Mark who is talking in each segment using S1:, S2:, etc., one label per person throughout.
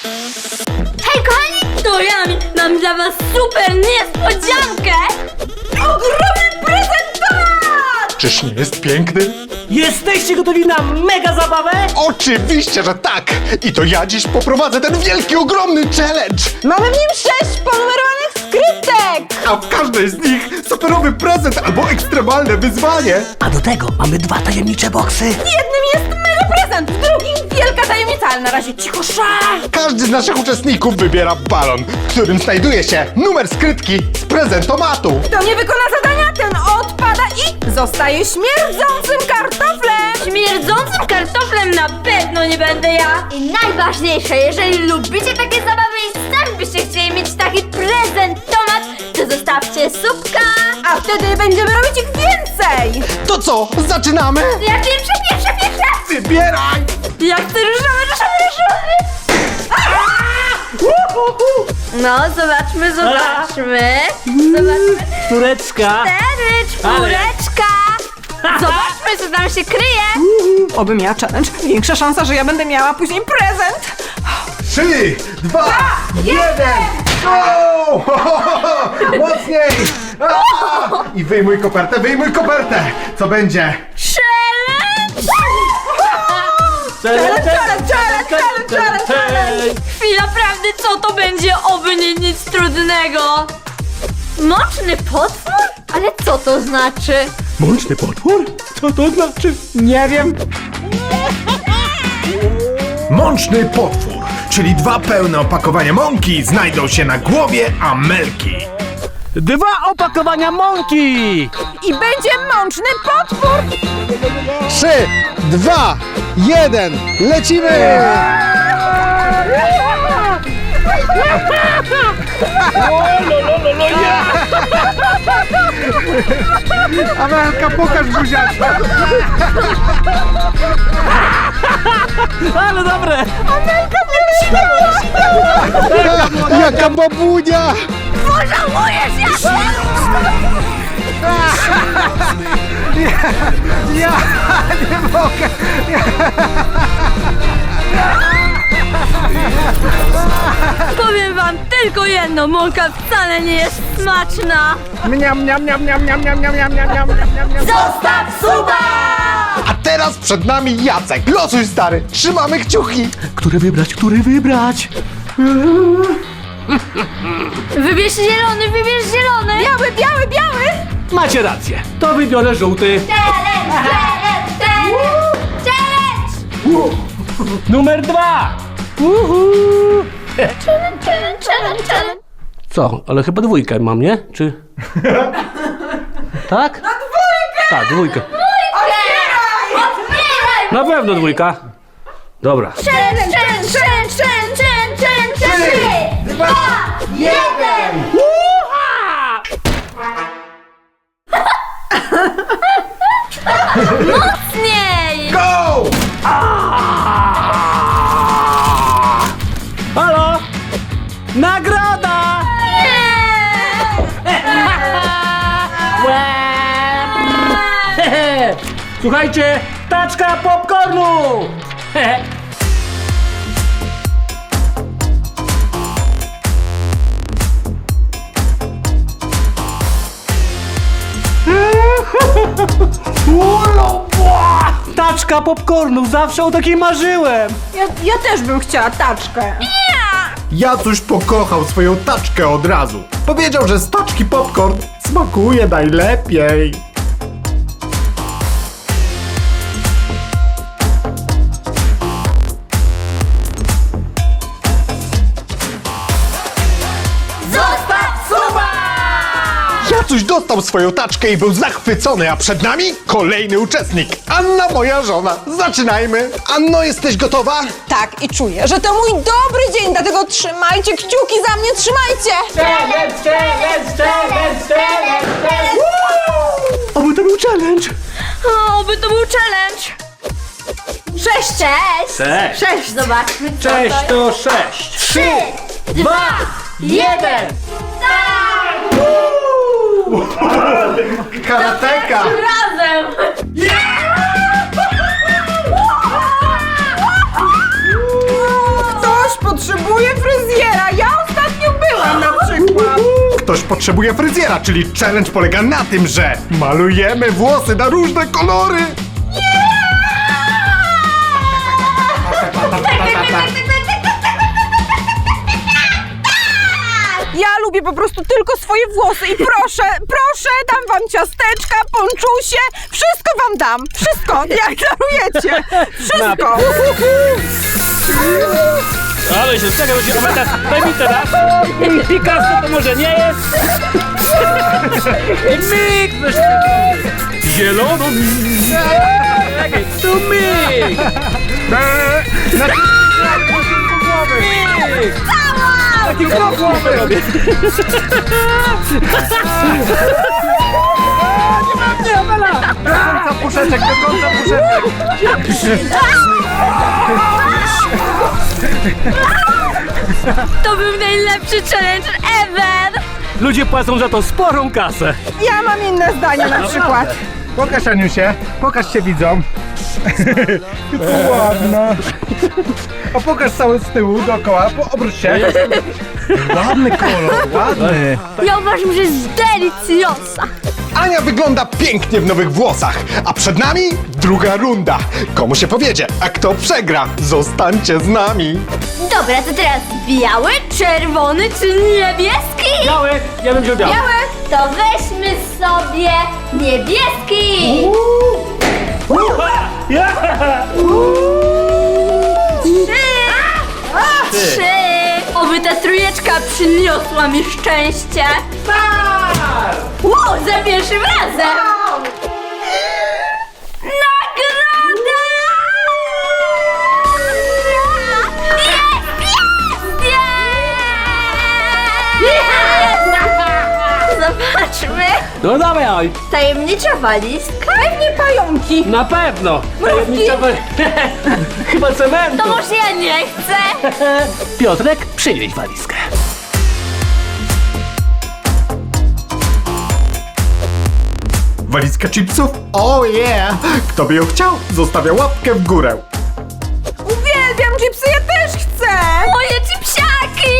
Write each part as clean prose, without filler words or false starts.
S1: Hej kochani, to ja mam dla was super niespodziankę! Ogromny prezentat!
S2: Czyż nie jest piękny?
S3: Jesteście gotowi na mega zabawę?
S2: Oczywiście, że tak! I to ja dziś poprowadzę ten wielki, ogromny challenge!
S4: Mamy w nim 6 ponumerowanych skrytek!
S2: A w każdej z nich superowy prezent albo ekstremalne wyzwanie!
S3: A do tego mamy 2 tajemnicze boksy.
S4: W jednym jest mega prezent, w drugim wielka tajemnica, ale na razie cicho szach!
S2: Każdy z naszych uczestników wybiera balon, w którym znajduje się numer skrytki z prezentomatu.
S4: Kto nie wykona zadania, ten odpada i zostaje śmierdzącym kartoflem!
S1: Śmierdzącym kartoflem na pewno nie będę ja! I najważniejsze, jeżeli lubicie takie zabawy i sami byście chcieli mieć taki prezentomat, to zostawcie subka!
S4: A wtedy będziemy robić ich więcej!
S2: To co, zaczynamy?
S1: Ja pierwsza!
S2: Wybieraj!
S1: Ja chcę różowy! No, zobaczmy. Zobaczmy.
S3: Tureczka.
S1: 4 czwóreczka! Zobaczmy, co tam się kryje!
S4: Oby miała challenge, większa szansa, że ja będę miała później prezent!
S2: 3, 2, 1! Go! Mocniej! I wyjmuj kopertę! Co będzie?
S1: Challenge! Chwila prawdy, co to będzie? Oby nie nic trudnego! Mączny potwór? Ale co to znaczy?
S3: Mączny potwór? Co to znaczy? Nie wiem.
S5: Mączny potwór, czyli 2 pełne opakowania mąki znajdą się na głowie Amelki.
S3: 2 opakowania mąki.
S4: I będzie mączny potwór!
S2: 3, 2, 1, lecimy! Amelka, pokaż buziaczka!
S3: Ale dobre.
S2: Jaka babunia!
S1: Pożałujesz, ja! Powiem wam tylko jedno, mąka wcale nie jest smaczna! Zostaw suba!
S2: A teraz przed nami Jacek. Losuj, stary, trzymamy kciuki.
S3: Który wybrać?
S1: Wybierz zielony!
S4: Biały!
S3: Macie rację. To wybiorę żółty.
S1: Challenge!
S3: Numer 2.
S1: Challenge!
S3: Co? Ale chyba 2 mam, nie? Czy... Tak? No 2! Tak, 2. Na pewno 2. Dobra.
S1: Challenge! 3, 2, 1! Mocniej!
S2: Go!
S3: Halo? Nagroda! Słuchajcie, taczka popcornu! Taczka popcornu, zawsze o takiej marzyłem!
S4: Ja też bym chciała taczkę.
S2: Jacuś pokochał swoją taczkę od razu. Powiedział, że z taczki popcorn smakuje najlepiej. Jacuś dostał swoją taczkę i był zachwycony, a przed nami kolejny uczestnik. Anna, moja żona. Zaczynajmy. Anno, jesteś gotowa?
S4: Tak, i czuję, że to mój dobry dzień, dlatego trzymajcie kciuki za mnie, trzymajcie!
S3: Oby to był challenge!
S1: Oby to był challenge! 6! Cześć! 6! Zobaczmy co
S3: Cześć
S1: to
S3: to 6!
S1: 3, 2, 1!
S2: Karateka!
S1: Razem!
S4: Ktoś potrzebuje
S2: ktoś potrzebuje fryzjera, czyli challenge polega na tym, że malujemy włosy na różne kolory.
S4: Ja lubię po prostu tylko swoje włosy i proszę, dam wam ciasteczka, ponczusie, wszystko wam dam, wszystko, jak darujecie, wszystko.
S3: Ale się czekaj, bo się komentarz. Daj mi teraz. Picasso to może nie jest. I myk! Zielono. Czekaj, tu myk. Myk! Taki głowę robię. Nie mam,
S2: Do końca puszeczek, do końca puszeczek.
S1: To był najlepszy challenge ever!
S3: Ludzie płacą za to sporą kasę.
S4: Ja mam inne zdanie na przykład.
S2: Pokaż, Aniusie, pokaż się widzom. Ładna. A pokaż cały z tyłu, dookoła, obróć się. Ładny kolor, ładny.
S1: Ja uważam, że jest deliciosa!
S2: Ania wygląda pięknie w nowych włosach, a przed nami druga runda. Komu się powiedzie, a kto przegra, zostańcie z nami.
S1: Dobra, to teraz biały, czerwony czy niebieski?
S3: Biały, ja bym wziął biały.
S1: Biały? To weźmy sobie niebieski! Trzy! Oby ta trójeczka przyniosła mi szczęście! Wow, za pierwszym razem! Nagroda! Jest! Zobaczmy!
S3: No dawaj.
S1: Tajemnicza walizka?
S4: Pewnie pająki.
S3: Na pewno. Tajemnicza chyba cementu.
S1: To może ja nie chcę!
S3: Piotrek, przynieś walizkę.
S2: Walizka chipsów? Oh yeah! Kto by ją chciał, zostawia łapkę w górę.
S4: Uwielbiam chipsy, ja też chcę.
S1: Moje chipsiaki!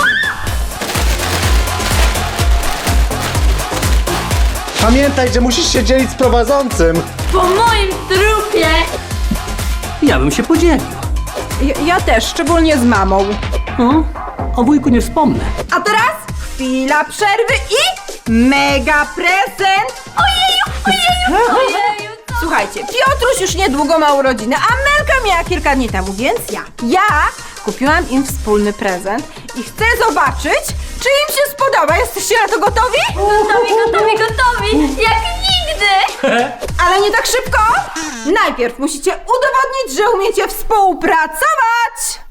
S2: Pamiętaj, że musisz się dzielić z prowadzącym.
S1: Po moim trupie!
S3: Ja bym się podzielił.
S4: Ja też, szczególnie z mamą.
S3: O wujku nie wspomnę.
S4: A teraz chwila przerwy i mega prezent.
S1: Ojeju!
S4: Słuchajcie, Piotruś już niedługo ma urodziny, a Melka miała kilka dni temu, więc ja kupiłam im wspólny prezent i chcę zobaczyć, czy im się spodoba. Jesteście na to gotowi?
S1: Gotowi! Jak nigdy!
S4: Ale nie tak szybko! Najpierw musicie udowodnić, że umiecie współpracować!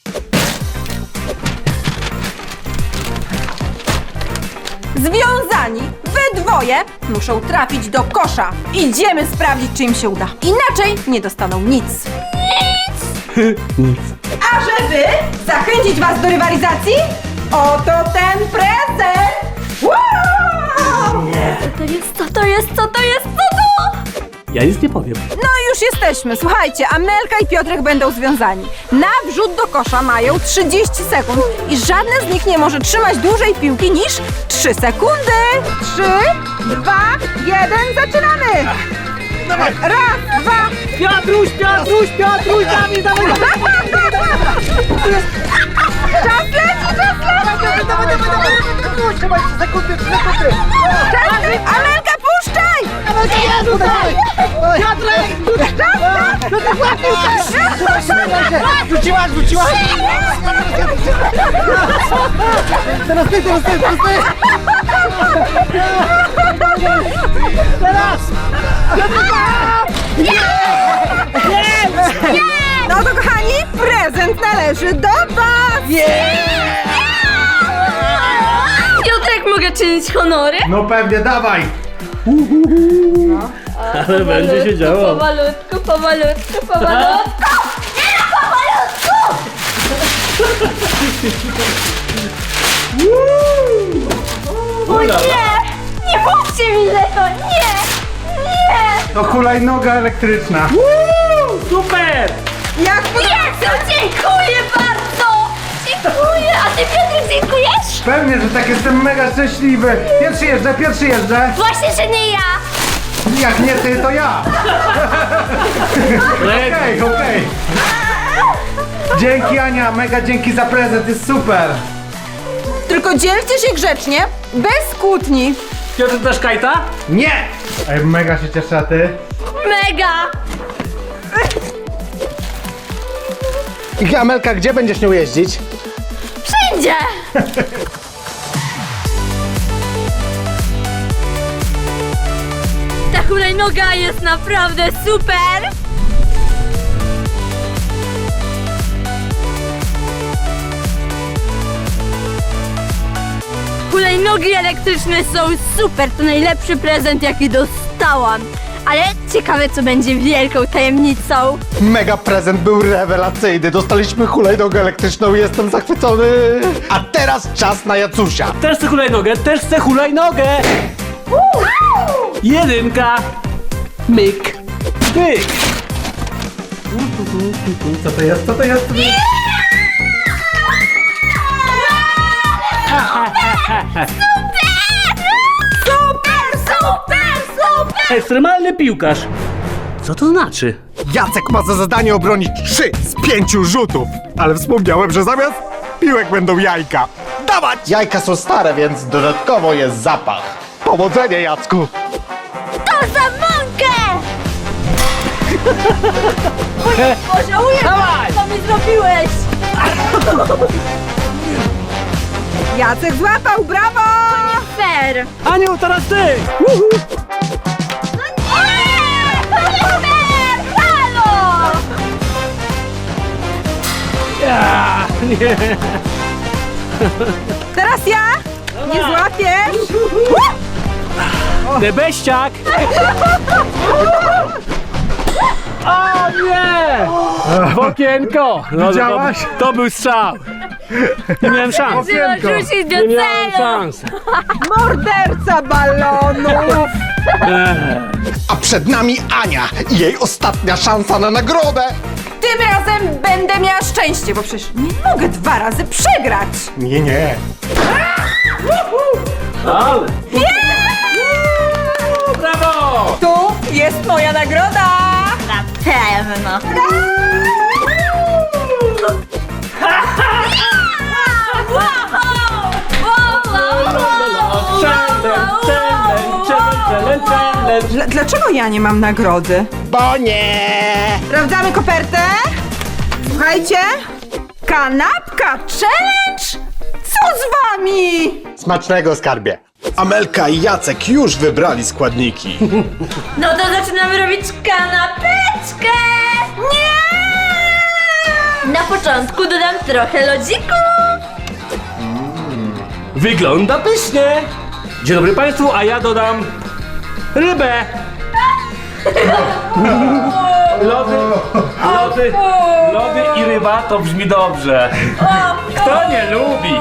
S4: Związani, wy dwoje muszą trafić do kosza. Idziemy sprawdzić, czy im się uda. Inaczej nie dostaną nic.
S3: Nic.
S4: A żeby zachęcić was do rywalizacji, oto ten prezent! Wow!
S1: Co to jest?
S3: Ja nic nie powiem.
S4: No i już jesteśmy. Słuchajcie, Amelka i Piotrek będą związani. Na wrzut do kosza mają 30 sekund i żadne z nich nie może trzymać dłużej piłki niż 3 sekundy. 3, 2, 1, zaczynamy! Raz, dwa.
S3: Piotruś, dawaj, dawaj.
S4: Czas leci! Amelka, puszczaj!
S3: Rzuciłaś! Teraz ty! Teraz!
S4: No to kochani, prezent należy do was!
S1: Piotrek, mogę czynić honory?
S2: No pewnie, dawaj.
S3: Ale będzie się działo.
S1: Powolutku! Nie no, powolutku! O nie! Nie mówcie mi tego! Nie!
S2: To hulajnoga elektryczna.
S3: Super!
S4: Jak
S1: Jezu, dziękuję bardzo! Dziękuję! A ty, Piotrek, dziękujesz?
S3: Pewnie, że tak, jestem mega szczęśliwy. Pierwszy jeżdżę.
S1: Właśnie, że nie ja!
S3: Jak nie ty, to ja. Okej. Dzięki Ania, mega dzięki za prezent, jest super.
S4: Tylko dzielcie się grzecznie, bez kłótni.
S3: Piotr, dasz kajta? Nie! Ej, mega się cieszę, a ty?
S1: Mega!
S2: I Amelka, gdzie będziesz nią jeździć?
S1: Wszędzie! Ta hulajnoga jest naprawdę super! Hulajnogi elektryczne są super, to najlepszy prezent jaki dostałam. Ale ciekawe co będzie wielką tajemnicą.
S2: Mega prezent był rewelacyjny. Dostaliśmy hulajnogę elektryczną i jestem zachwycony. A teraz czas na Jacusia.
S3: Też chcę hulajnogę! Jedynka! Myk! Myk! Co to jest?
S1: Super!
S3: Ekstremalny piłkarz! Co to znaczy?
S2: Jacek ma za zadanie obronić 3 z 5 rzutów. Ale wspomniałem, że zamiast piłek będą jajka. Dawać! Jajka są stare, więc dodatkowo jest zapach. Powodzenia, Jacku!
S1: To za mąkę! Pożałuję, co mi zrobiłeś!
S4: Jacek złapał, brawo!
S1: Fair!
S3: Aniu, teraz ty!
S1: To nie fair! Halo!
S3: Ja, nie.
S4: Teraz ja? Nie złapiesz?
S3: Debeściak! O nie! W okienko! No,
S5: Widziałaś?
S3: To był strzał! Nie miałem szans!
S1: Trzeba rzucić do
S3: Nie miałem
S1: celu!
S3: szans!
S4: Morderca balonów!
S2: A przed nami Ania i jej ostatnia szansa na nagrodę.
S4: Tym razem będę miała szczęście, bo przecież nie mogę 2 razy przegrać.
S2: Nie.
S3: Ale! Brawo!
S4: Tu jest moja nagroda!
S1: Na pewno!
S4: Dlaczego ja nie mam nagrody?
S2: Bo nie.
S4: Sprawdzamy kopertę. Słuchajcie. Kanapka challenge? Co z wami?
S2: Smacznego, skarbie. Amelka i Jacek już wybrali składniki.
S1: No to zaczynamy robić kanapeczkę! Nie! Na początku dodam trochę lodziku.
S3: Wygląda pysznie! Dzień dobry Państwu, a ja dodam rybę! Lody i ryba to brzmi dobrze. Kto nie lubi?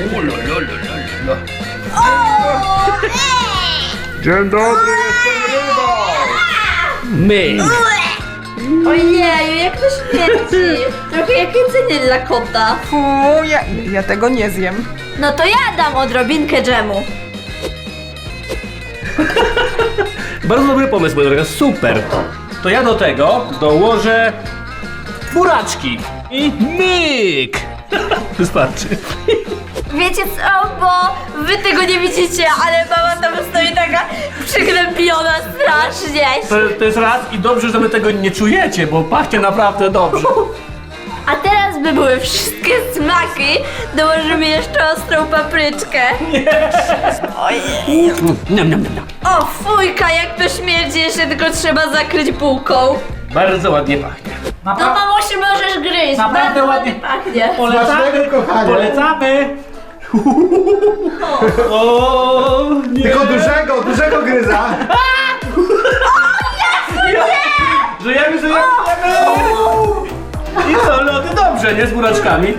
S5: Dzień dobry, jestem rybą!
S3: My.
S1: Ojeju, jak to śmierdzi! Trochę jak jedzenie dla kota.
S4: Fu, ja tego nie zjem.
S1: No to ja dam odrobinkę dżemu.
S3: Bardzo dobry pomysł, moja droga, super. To ja do tego dołożę buraczki i myk. Wystarczy.
S1: Wiecie co, bo wy tego nie widzicie, ale mama tam stoi taka przygnębiona strasznie.
S3: To jest raz i dobrze, że wy tego nie czujecie, bo pachnie naprawdę dobrze.
S1: A teraz by były wszystkie smaki, dołożymy jeszcze ostrą papryczkę. Ojej.
S3: Niam, niam, niam, niam.
S1: O fujka, jak to śmierdzi, jeszcze tylko trzeba zakryć bułką.
S3: Bardzo ładnie pachnie.
S1: No mamusiu, możesz gryźć,
S3: Naprawdę
S1: bardzo
S3: ładnie.
S1: pachnie.
S3: Polecamy,
S2: kochanie.
S3: Polecamy. O, nie.
S2: Tylko dużego gryza.
S3: Żyjemy. I co, lody dobrze, nie? Z buraczkami.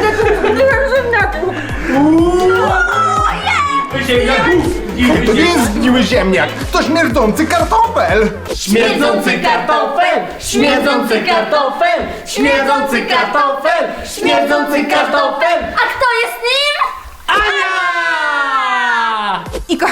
S2: To nie jest zgniły ziemniak, to śmierdzący kartofel.
S1: Śmierdzący kartofel, śmierdzący kartofel, śmierdzący kartofel, śmierdzący kartofel. A kto jest nim?
S3: Ania!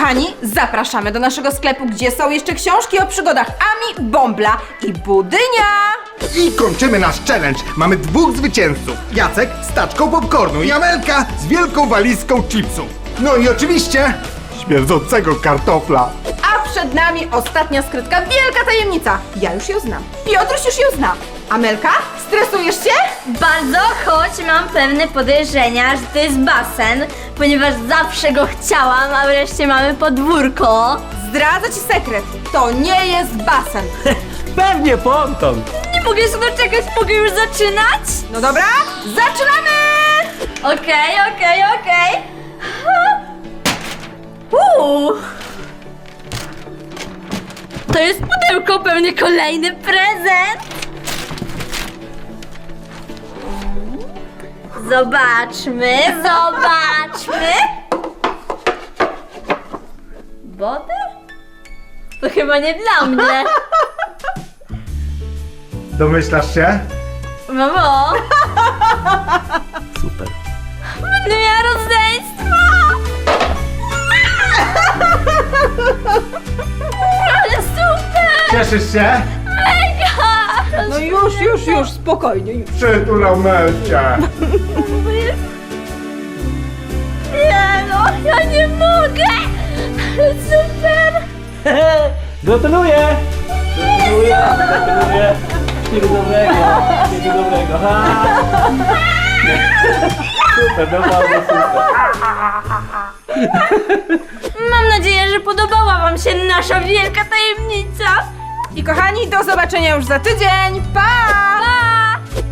S4: Kochani, zapraszamy do naszego sklepu, gdzie są jeszcze książki o przygodach Ami, Bąbla i Budynia.
S2: I kończymy nasz challenge. Mamy 2 zwycięzców. Jacek z taczką popcornu i Amelka z wielką walizką chipsów. No i oczywiście śmierdzącego kartofla.
S4: A przed nami ostatnia skrytka, wielka tajemnica. Ja już ją znam. Piotruś już ją zna. Amelka, stresujesz się?
S1: Bardzo, choć mam pewne podejrzenia, że to jest basen, ponieważ zawsze go chciałam, a wreszcie mamy podwórko.
S4: Zdradzę ci sekret. To nie jest basen.
S3: Pewnie ponton.
S1: Nie mogę się doczekać, mogę już zaczynać?
S4: No dobra, zaczynamy!
S1: Okej. To jest pudełko, pewnie kolejny prezent. Zobaczmy. Wodę? To chyba nie dla mnie.
S2: Domyślasz się?
S1: Mamo,
S3: Super.
S1: będę miała rodzeństwo. Ale super!
S2: Cieszysz się?
S1: Mega!
S4: No już, spokojnie, już.
S2: Przytulał Melcie.
S1: Nie no, ja nie mogę! Ale super!
S3: Gratuluję! Wszystkiego dobrego. Ha. Super, naprawdę super.
S1: Mam nadzieję, że podobała wam się nasza wielka tajemnica.
S4: I kochani, do zobaczenia już za tydzień. Pa!
S1: Pa!